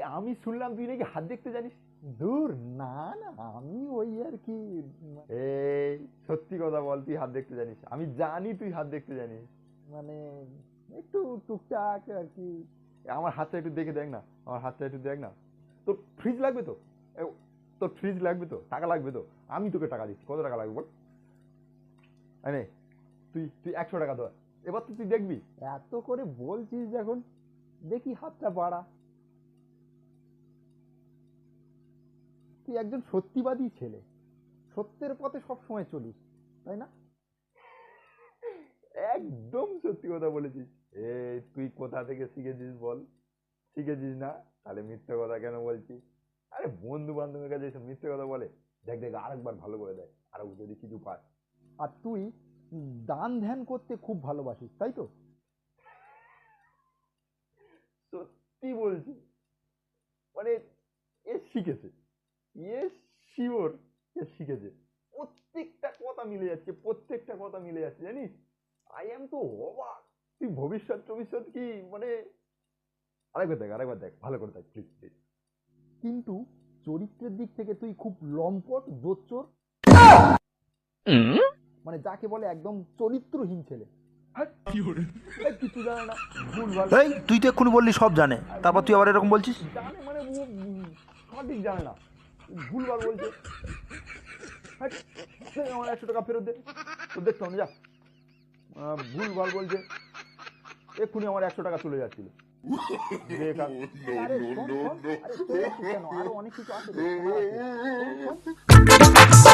আমি শুনলাম তুই নাকি হাত দেখতে জানিস। দূর, না না, আমি ওই আর কি। এই সত্যি কথা বল, তুই হাত দেখতে জানিস? আমি জানি তুই হাত দেখতে জানিস। মানে একটু টুকটাক আর কি। আমার হাতটা একটু দেখে দেখ না, আমার হাতটা একটু দেখ না। তোর ফ্রিজ লাগবে তো? তোর ফ্রিজ লাগবে তো? টাকা লাগবে তো? আমি তোকে টাকা দিচ্ছি, কত টাকা লাগবে বল। নে, তুই তুই 100 টাকা ধর, এবার তো তুই দেখবি। এত করে বলছিস যখন, দেখি হাতটা বাড়া। তুই একজন সত্যিবাদী ছেলে, সত্যের পথে সবসময় চলিস, তাই না? একদম সত্যি কথা বলেছিস। এই তুই কোথা থেকে শিখেছিস বল? শিখেছিস না, তাহলে মিথ্যে কথা কেন বলছিস? আরে বন্ধু বান্ধবের কাছে এসব মিথ্যে কথা বলে? দেখ দেখ, আরেকবার ভালো করে দেখ, আরো যদি কিছু পাস। আর তুই দান ধ্যান করতে খুব ভালোবাসিস, তাই তো? সত্যি বলছি, মানে এ শিখেছে, এ শিওর, এ শিখেছে। প্রত্যেকটা কথা মিলে যাচ্ছে, প্রত্যেকটা কথা মিলে যাচ্ছে, জানিস? আই এম তো অবাক। তুই ভবিষ্যৎ ভবিষ্যৎ কি মানে, আরেকবার দেখ ভালো করে দেখ প্লিজ প্লিজ। কিন্তু চরিত্রের দিক থেকে তুই খুব লম্পট, জোচ্চোর, মানে যাকে বলে একদম চরিত্রহীন ছেলে। কিছু জানে না, ভুলভাল। এই তুই তো এক্ষুনি বললি সব জানে, তারপর তুই আবার এরকম বলছিস? জানে মানে ও সঠিক জানে না, ভুলভাল বলছে। আমার 100 টাকা ফেরত দে, তো দেখতে হবে যা। ভুলভাল বলছে, এক্ষুনি আমার 100 টাকা চলে যাচ্ছিল। আরে শোন, শোন, আরে চলে আসছিস কেন? আরো অনেক কিছু আছে তো, শোনার আছে। শোন, শোন।